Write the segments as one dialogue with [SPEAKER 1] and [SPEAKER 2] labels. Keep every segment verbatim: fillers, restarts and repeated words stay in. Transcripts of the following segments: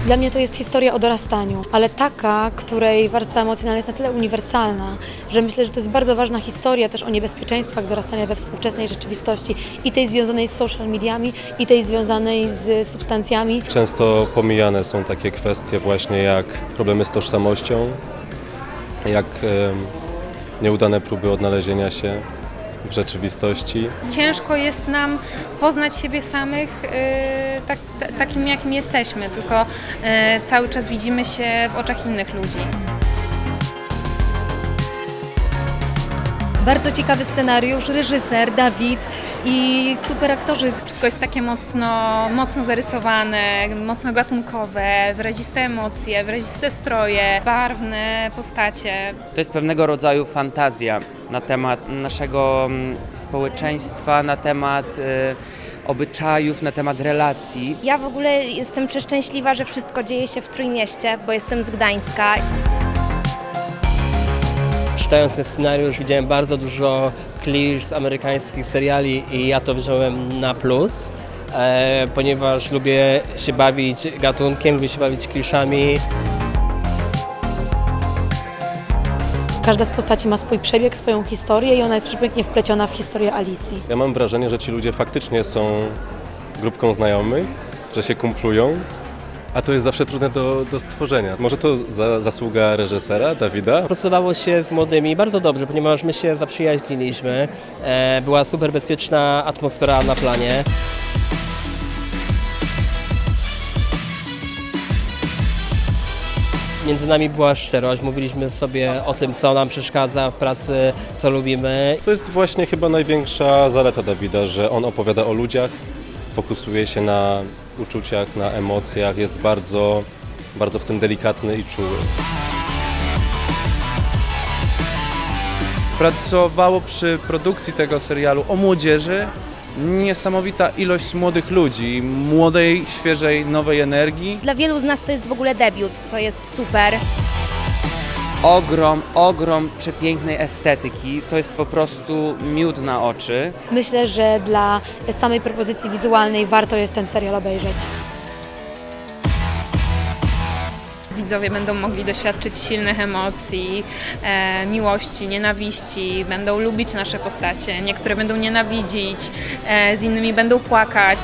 [SPEAKER 1] Dla mnie to jest historia o dorastaniu, ale taka, której warstwa emocjonalna jest na tyle uniwersalna, że myślę, że to jest bardzo ważna historia też o niebezpieczeństwach dorastania we współczesnej rzeczywistości i tej związanej z social mediami, i tej związanej z substancjami.
[SPEAKER 2] Często pomijane są takie kwestie właśnie jak problemy z tożsamością, jak e, nieudane próby odnalezienia się w rzeczywistości.
[SPEAKER 3] Ciężko jest nam poznać siebie samych yy, tak, t- takim, jakim jesteśmy, tylko yy, cały czas widzimy się w oczach innych ludzi.
[SPEAKER 4] Bardzo ciekawy scenariusz, reżyser, Dawid i super aktorzy.
[SPEAKER 3] Wszystko jest takie mocno, mocno zarysowane, mocno gatunkowe, wyraziste emocje, wyraziste stroje, barwne postacie.
[SPEAKER 5] To jest pewnego rodzaju fantazja na temat naszego społeczeństwa, na temat y, obyczajów, na temat relacji.
[SPEAKER 6] Ja w ogóle jestem przeszczęśliwa, że wszystko dzieje się w Trójmieście, bo jestem z Gdańska.
[SPEAKER 7] Czytając ten scenariusz widziałem bardzo dużo klisz z amerykańskich seriali i ja to wziąłem na plus, e, ponieważ lubię się bawić gatunkiem, lubię się bawić kliszami.
[SPEAKER 1] Każda z postaci ma swój przebieg, swoją historię i ona jest przepięknie wpleciona w historię Alicji.
[SPEAKER 2] Ja mam wrażenie, że ci ludzie faktycznie są grupką znajomych, że się kumplują, a to jest zawsze trudne do, do stworzenia. Może to za, zasługa reżysera, Dawida?
[SPEAKER 7] Pracowało się z młodymi bardzo dobrze, ponieważ my się zaprzyjaźniliśmy. E, była super bezpieczna atmosfera na planie. Między nami była szczerość, mówiliśmy sobie o tym, co nam przeszkadza w pracy, co lubimy.
[SPEAKER 2] To jest właśnie chyba największa zaleta Dawida, że on opowiada o ludziach, fokusuje się na uczuciach, na emocjach, jest bardzo, bardzo w tym delikatny i czuły.
[SPEAKER 8] Pracowało przy produkcji tego serialu o młodzieży niesamowita ilość młodych ludzi, młodej, świeżej, nowej energii.
[SPEAKER 6] Dla wielu z nas to jest w ogóle debiut, co jest super.
[SPEAKER 5] Ogrom, ogrom przepięknej estetyki, to jest po prostu miód na oczy.
[SPEAKER 1] Myślę, że dla samej propozycji wizualnej warto jest ten serial obejrzeć.
[SPEAKER 3] Widzowie będą mogli doświadczyć silnych emocji, e, miłości, nienawiści, będą lubić nasze postacie, niektóre będą nienawidzić, e, z innymi będą płakać.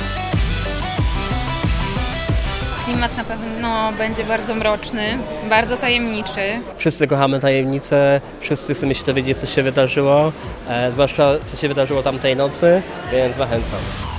[SPEAKER 3] Klimat na pewno będzie bardzo mroczny, bardzo tajemniczy.
[SPEAKER 7] Wszyscy kochamy tajemnice, wszyscy chcemy się dowiedzieć, co się wydarzyło, e, zwłaszcza co się wydarzyło tamtej nocy, więc zachęcam.